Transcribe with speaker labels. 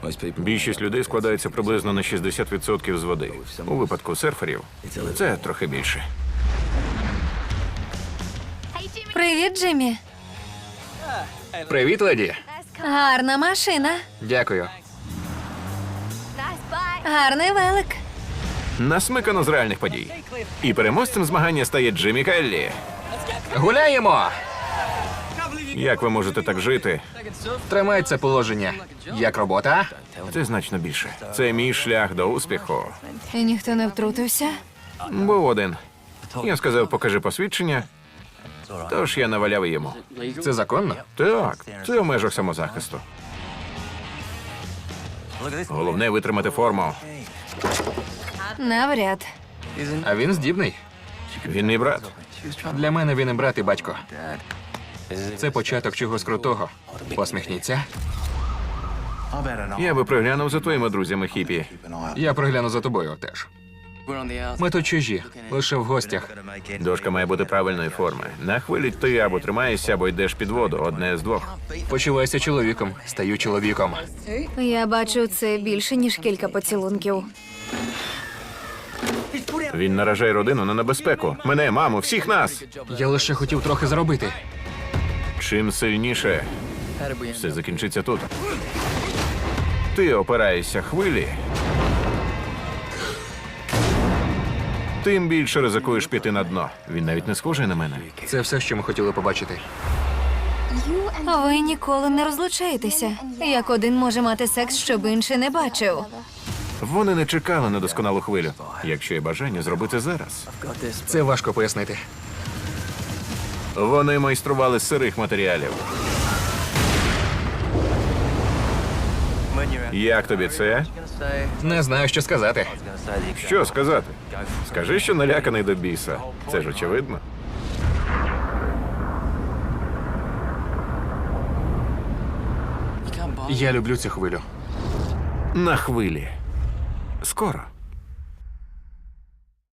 Speaker 1: Більшість людей складається приблизно на 60% з води. У випадку серферів це трохи більше.
Speaker 2: Привіт, Джиммі.
Speaker 3: Привіт, леді.
Speaker 2: Гарна машина.
Speaker 3: Дякую.
Speaker 2: Гарний велик.
Speaker 1: Насмикано з реальних подій. І переможцем змагання стає Джиммі Келлі.
Speaker 3: Гуляємо!
Speaker 1: Як ви можете так жити?
Speaker 3: Тримай це положення. Як робота?
Speaker 1: Це значно більше. Це мій шлях до успіху.
Speaker 2: І ніхто не втрутився?
Speaker 1: Був один. Я сказав, покажи посвідчення. Тож я наваляв йому.
Speaker 3: Це законно?
Speaker 1: Так, це в межах самозахисту. Головне витримати форму.
Speaker 2: Навряд.
Speaker 3: А він здібний.
Speaker 1: Він мій брат.
Speaker 3: Для мене він і брат, і батько. Це початок чогось крутого. Посміхніться.
Speaker 1: Я би приглянув за твоїми друзями хіпі.
Speaker 3: Я пригляну за тобою теж. Ми тут чужі, лише в гостях.
Speaker 1: Дошка має бути правильної форми. На хвилі ти або тримаєшся, або йдеш під воду. Одне з двох.
Speaker 3: Почувайся чоловіком, стаю чоловіком.
Speaker 2: Я бачу, це більше, ніж кілька поцілунків.
Speaker 1: Він наражає родину на небезпеку. Мене, маму, всіх нас.
Speaker 3: Я лише хотів трохи заробити.
Speaker 1: Чим сильніше, все закінчиться тут. Ти опираєшся хвилі, тим більше ризикуєш піти на дно. Він навіть не схожий на мене.
Speaker 3: Це все, що ми хотіли побачити.
Speaker 2: Ви ніколи не розлучаєтеся. Як один може мати секс, щоб інший не бачив.
Speaker 1: Вони не чекали на досконалу хвилю. Якщо є бажання зробити зараз.
Speaker 3: Це важко пояснити.
Speaker 1: Вони майстрували з сирих матеріалів. Як тобі це?
Speaker 3: Не знаю, що сказати.
Speaker 1: Що сказати? Скажи, що наляканий до біса. Це ж очевидно.
Speaker 3: Я люблю цю хвилю.
Speaker 1: На хвилі. Скоро.